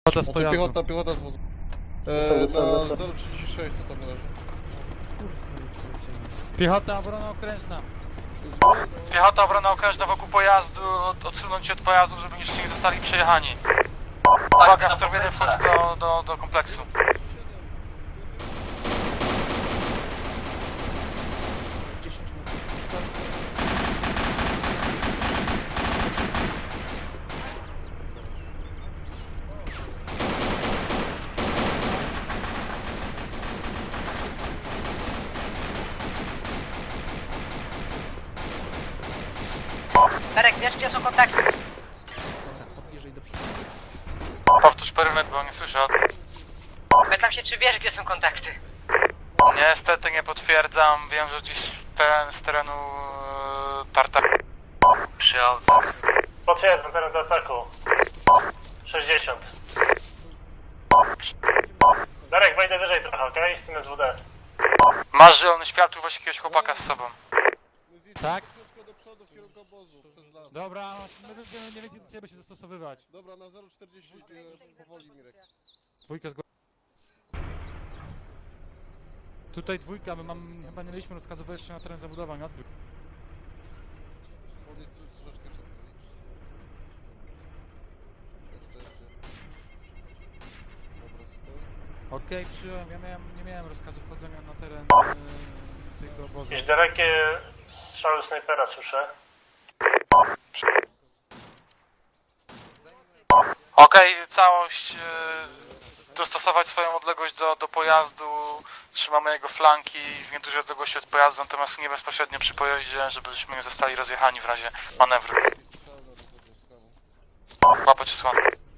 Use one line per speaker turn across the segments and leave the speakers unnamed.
Piechota z pojazdu.
Piechota z wozu. Na 036 co tam leży.
Piechota, obrona okrężna. Piechota, obrona okrężna wokół pojazdu, odsunąć się od pojazdu, żeby jeszcze nie zostali przejechani. Uwaga, sztormienie wchodzi do kompleksu.
Darek, wiesz gdzie są kontakty?
Powtórz perymetr, bo nie słyszę.
Pytam się, czy wiesz gdzie są kontakty?
Niestety nie potwierdzam, wiem, że gdzieś z terenu tartak.
Przy autach.
Potwierdzam teren do ataku. 60. Darek, wejdę wyżej trochę, okej? Okay? Na 2D.
Masz zielony światło, właśnie jakiegoś chłopaka z sobą. Tak?
Troszkę do przodu w kierunku obozu, przez las.
Dobra, my będziemy nie wiedzieć do ciebie się dostosowywać.
Dobra, na 040 powoli Mirek.
Dwójka z Tutaj dwójka, my chyba nie mieliśmy rozkazu wejścia na teren zabudowań, odbiór.
Podejdź troszeczkę przed. Jeszcze. Dobra, stój.
Okej, przyjąłem, nie miałem rozkazu wchodzenia na teren tego obozu.
Jakieś dalekie strzały snajpera słyszę.
Okej, całość, dostosować swoją odległość do pojazdu, trzymamy jego flanki w niedużej odległości od pojazdu, natomiast nie bezpośrednio przy pojeździe, żebyśmy nie zostali rozjechani w razie manewru. Łapać słabo.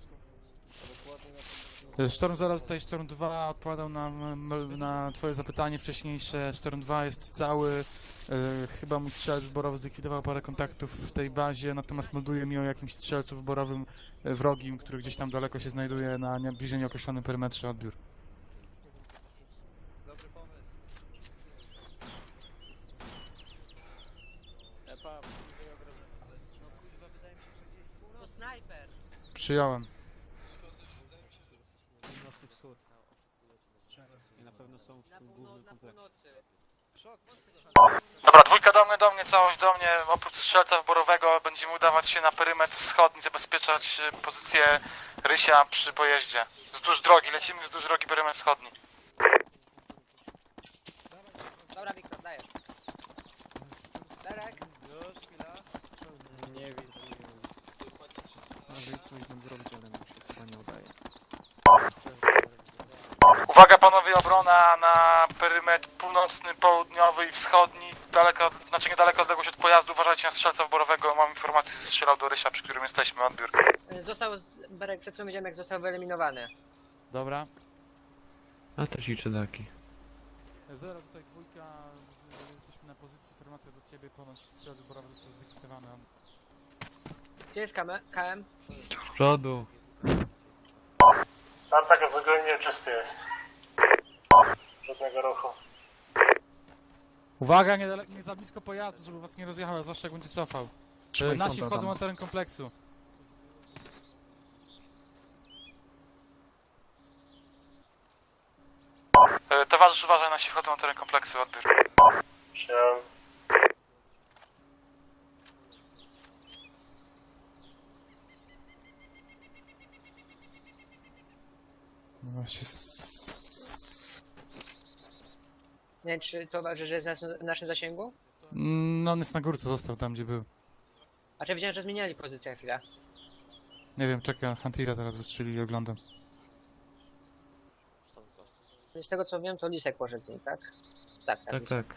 Sztorm 0, tutaj Sztorm 2 odpowiadał na twoje zapytanie wcześniejsze. Sztorm 2 jest cały, chyba mój strzelec zborowy zlikwidował parę kontaktów w tej bazie, natomiast melduje mi o jakimś strzelcu zborowym wrogim, który gdzieś tam daleko się znajduje na bliżej nieokreślonym perymetrze, odbiór.
Dobry pomysł. Epa, bliżej ogrodzenia. Ale no kurwa, wydaje mi się, że gdzieś z północy. To snajper!
Przyjąłem.
Północny wschód. I na pewno są w tym głównym kompleksie. Szok,
Dobra, dwójka do mnie, całość do mnie. Oprócz strzelca wborowego będziemy udawać się na perymetr wschodni, zabezpieczać pozycję Rysia przy pojeździe. Wzdłuż drogi, lecimy wzdłuż drogi perymetr wschodni.
Dobra, Wiktor, dajesz. Darek?
już, chwila. Nie widzę.
Może coś nam zrobić, ale mu się chyba nie udaje.
Uwaga panowie, obrona na perymetr północny, południowy i wschodni. Daleko, znaczy niedaleko odległość od pojazdu, uważajcie na strzelca wborowego. Mam informację, że strzelał do Rysia, przy którym jesteśmy, odbiór.
Berek, przed chwilą widziałem jak został wyeliminowany.
Dobra.
A też i czedaki.
Zero, tutaj dwójka, jesteśmy na pozycji, informacja do ciebie, ponoć strzelec zborowy został zlikwidowany.
Gdzie jest KM?
Z przodu.
Atak względnie czysty jest. Żadnego ruchu.
Uwaga, nie za blisko pojazdu, żeby was nie rozjechał, zwłaszcza jak będzie cofał. Nasi wchodzą na teren kompleksu. Towarzysz, uważaj, nasi wchodzą na teren kompleksu, odbiór.
Przyjąłem.
Nie wiem, czy towarzysz jest w naszym zasięgu?
No on jest na górce, został tam, gdzie był.
A czy widziałem, że zmieniali pozycję na chwilę?
Nie wiem, czekaj, Huntira teraz wystrzeli i oglądam.
Z tego co wiem, to Lisek poszedł z nim, tak? Tak.
Tak.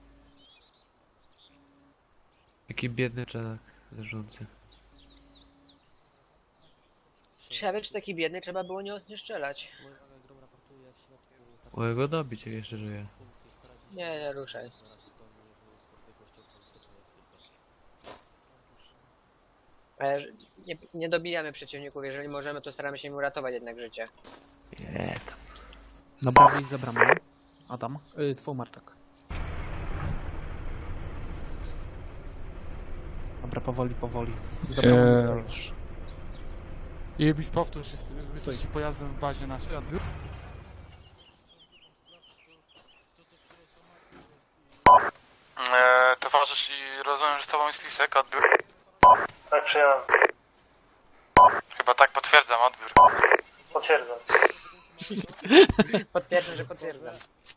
Jaki biedny czedak zarządcy.
Ciekawe, czy taki biedny trzeba było nie strzelać.
O, go dobić, jak jeszcze żyje.
Nie ruszaj. Nie dobijamy przeciwników, jeżeli możemy, to staramy się im uratować jednak życie.
Dobra, wyjdź za bramę. Adam. Twój Martek. Dobra, powoli. Za bramą już.
I Ibis, powtórz, jesteście pojazdem w bazie naszej, odbiór?
Towarzysz i rozumiem, że z tobą jest Lisek, odbiór?
Tak, przyjąłem.
Chyba tak, potwierdzam, odbiór.
Potwierdzam.
Potwierdzam, że potwierdzam.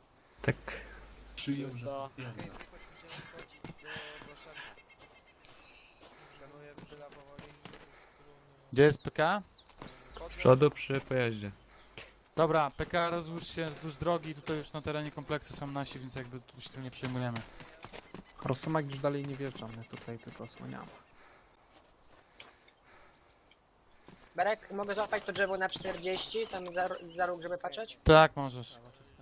Gdzie jest PK?
Przodu przy pojeździe.
Dobra, PK rozłóż się wzdłuż drogi, tutaj już na terenie kompleksu są nasi, więc jakby tu się tym nie przejmujemy.
Rosomak już dalej nie wjeżdża, my tutaj tylko osłaniamy.
Berek, mogę złapać to drzewo na 40, tam za róg, żeby patrzeć?
Tak, możesz.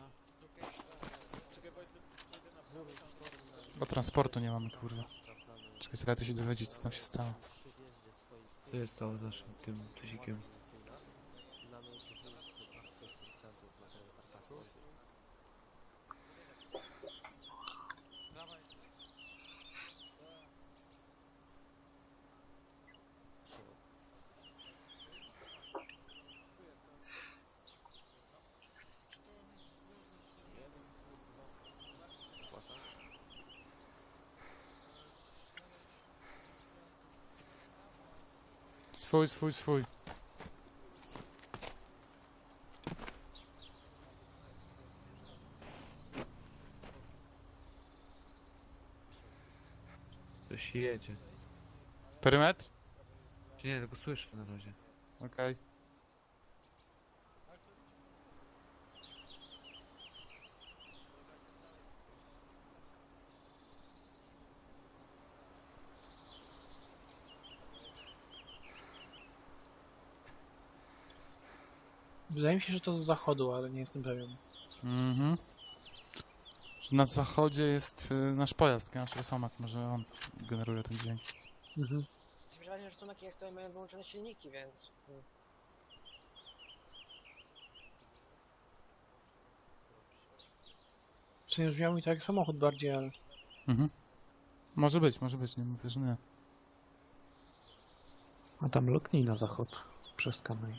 Bo transportu nie mamy, kurwa. Czekaj, trzeba coś się dowiedzieć, co tam się stało.
Co jest stało z naszym tym tuzikiem?
Swój.
Coś jedzie.
Perymetr?
Czy nie, tylko słyszę na razie.
Okej.
Wydaje mi się, że to z zachodu, ale nie jestem pewien.
Mhm. Że na zachodzie jest nasz pojazd, nasz Rosomak, może on generuje ten dźwięk.
Mhm.
Wydaje że stomaki jak to mają wyłączone silniki, więc...
W sumie brzmiało mi to jak samochód bardziej, ale...
Mhm. Może być, nie mówię, że nie.
A tam loknij na zachód. Przez kamień.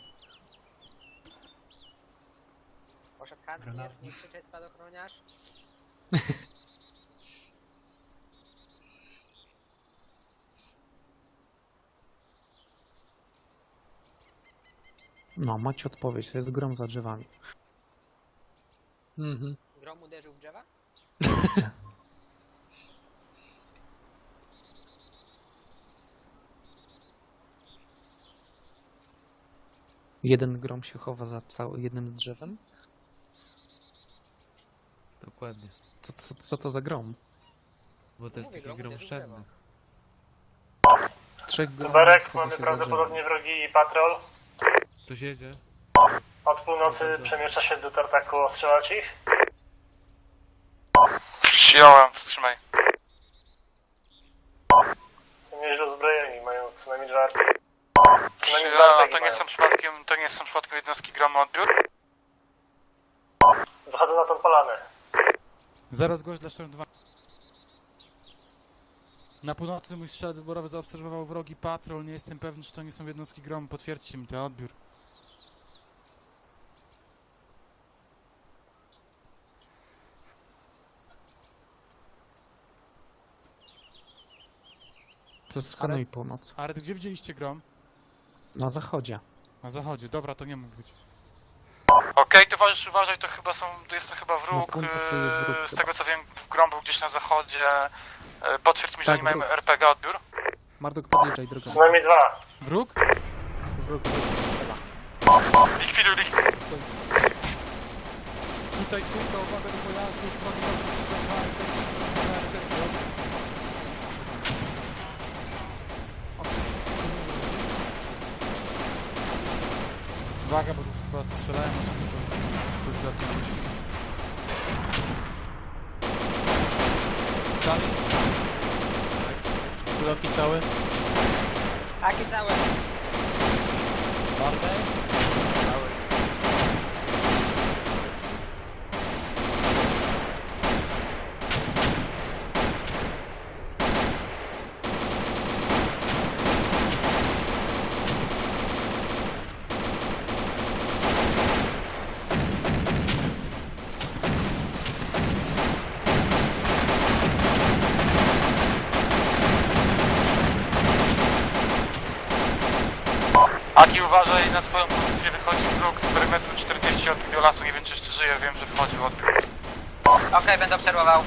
Poszedł handlier, nie krzyczeć spadochroniarz.
No, macie odpowiedź, to jest grom za drzewami.
Mhm.
Grom uderzył w drzewa?
Jeden grom się chowa za jednym drzewem?
Dokładnie.
Co to za grom?
Bo to jest
Mówię,
taki
grom
grom
uderzył w
wszedny.
Trzech gromów
Berek,
chowa
mamy
się za
prawdopodobnie wrogi patrol.
Ktoś jedzie?
Od północy przemieszcza się do tartaku, ostrzelać ich.
Przyjąłem, wstrzymaj.
Są nieźle uzbrojeni, mają co najmniej dwa...
Przyjąłem, to nie są przypadkiem jednostki gromu, odbiór?
Wychodzą na tą polanę.
Zaraz gość dla Sztorm 2. Na północy mój strzelec wyborowy zaobserwował wrogi patrol. Nie jestem pewny, czy to nie są jednostki gromu. Potwierdźcie mi to, odbiór.
To skanuj północ.
Ale gdzie widzieliście grom?
Na zachodzie.
Na zachodzie. Dobra, to nie mógł być.
Okej, towarzysz, uważaj, jest to chyba wróg.
Na północy jest wróg
Z
chyba.
tego co wiem, grom był gdzieś na zachodzie. Potwierdź mi, że
Tak,
nie mamy
wróg.
RPG, odbiór?
Marduk, podjeżdżaj drogą.
Co najmniej dwa.
Wróg?
Wróg.
Likwiduj.
Tutaj trójka, uwaga do pojazdów. Uwaga, bo tu chyba strzelają, żeby to dobrze od tego nacisku. Dalej?
Bloki całe.
Taki całe.
Bartek?
Aki, uważaj, na twoją pozycję wychodzi wróg z perymetru 40 od biolasu, nie wiem czy jeszcze żyje, wiem, że wchodził od...
Okej, będę obserwował.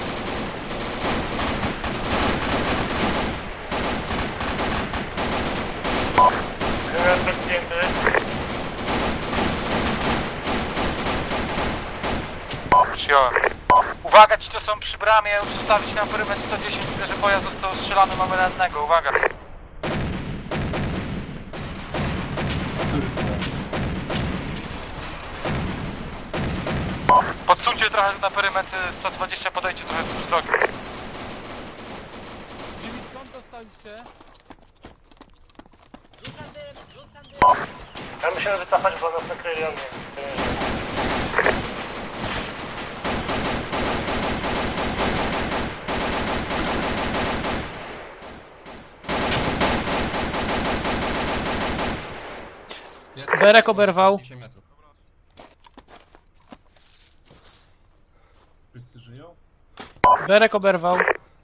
Wymiar zdjęty.
Przyjąłem. Uwaga, ci to są przy bramie, zostawić na perymetr 110, widzę, że pojazd został strzelany, mamy rannego, uwaga. Podsuńcie trochę na perymetr 120, podejście trochę z drogi.
Jimmy, skąd dostaliście?
Rzucam dym.
Ja musimy wycofać, bo nas nakryli ogniem.
Berek oberwał. Berek oberwał.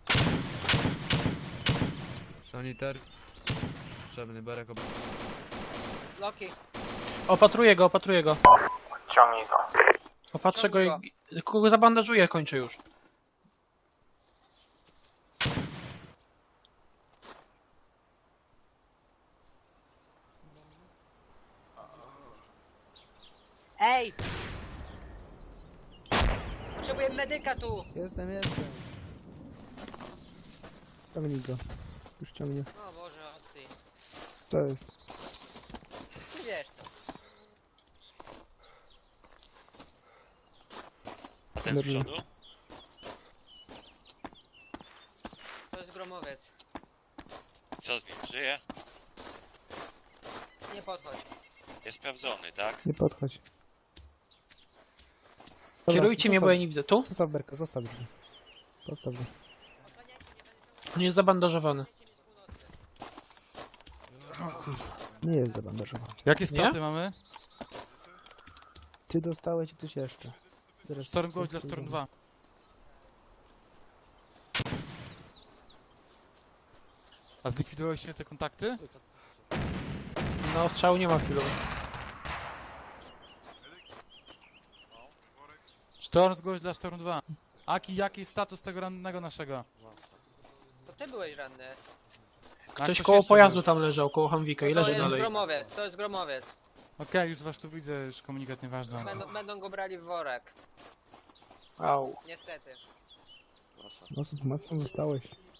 Sanitar. Potrzebny berek
Loki.
Opatruję go, opatruję go.
Ciągnij go.
Opatrzę go i... Kogo zabandażuję, kończę już.
Ej! Potrzebuję medyka tu!
Jestem. Ciągnij go. Już ciągnie.
O Boże, osty.
Co jest?
Ty wiesz to.
Ten z przodu?
To jest gromowiec.
Co z nim? Żyje?
Nie podchodź.
Jest sprawdzony, tak?
Nie podchodź. Dobra,
Kierujcie mnie, bo ja nie widzę. Tu?
Zostaw Berka, zostaw go. Zostaw go.
On jest zabandażowany.
Nie jest zabandażowany.
Jakie straty mamy?
Ty dostałeś i ktoś jeszcze. Teraz
Storm Ghost dla Storm 2. A zlikwidowaliście te kontakty?
No, strzału nie ma chwilowo.
Storm Ghost dla Storm 2. Aki, jaki jest status tego rannego naszego?
To ty byłeś ranny.
Ktoś koło pojazdu tam leżał, koło Hamwika i
To
leży
jest
dalej.
gromowiec, to jest gromowiec.
Okej, już was tu widzę, już komunikat nieważny.
Będą go brali w worek.
Au.
Niestety.
Mocno zostałeś.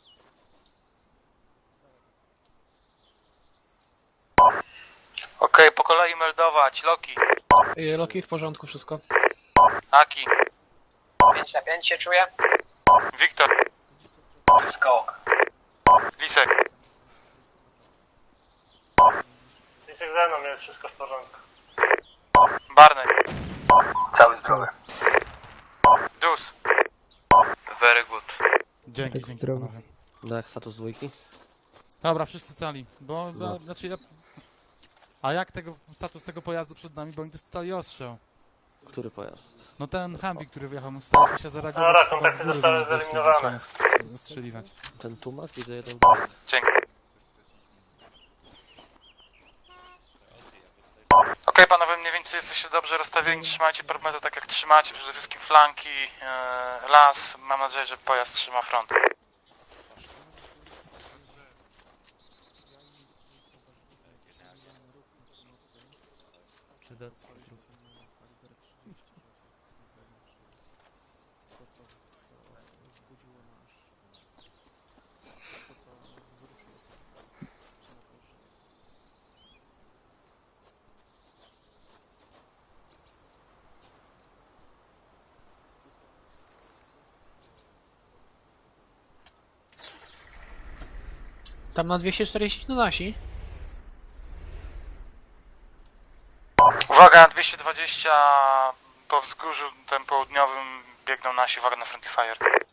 Okej, po kolei meldować. Loki,
Loki w porządku, wszystko.
Aki,
5 na 5 się czuję.
Wiktor, Skok, Lisek,
Lisek ze mną, jest wszystko w porządku.
Barney, cały zdrowy, Dus, very good.
Dzięki,
Tak
dzięki
zdrowo.
panowie.
Tak, status dwójki?
Dobra, wszyscy cali, bo znaczy ja... A jak status tego pojazdu przed nami, bo oni dostali ostrzał.
Który pojazd?
No ten Humvee, który wjechał, my staraliśmy się zareagować,
Dobra,
chyba z
kontakty
góry
zostały
do nas zeszli,
zeliminowane.
zaczęli nas strzeliwać.
Ten tumak? Widzę jeden.
Dzięki. Okej, panowie, mniej więcej jesteście dobrze rozstawieni, trzymajcie perymetr tak jak trzymacie, przede wszystkim flanki, las, mam nadzieję, że pojazd trzyma front.
Tam na 240 to nasi.
Uwaga, 220 po wzgórzu tym południowym biegną nasi, uwaga na friendly fire.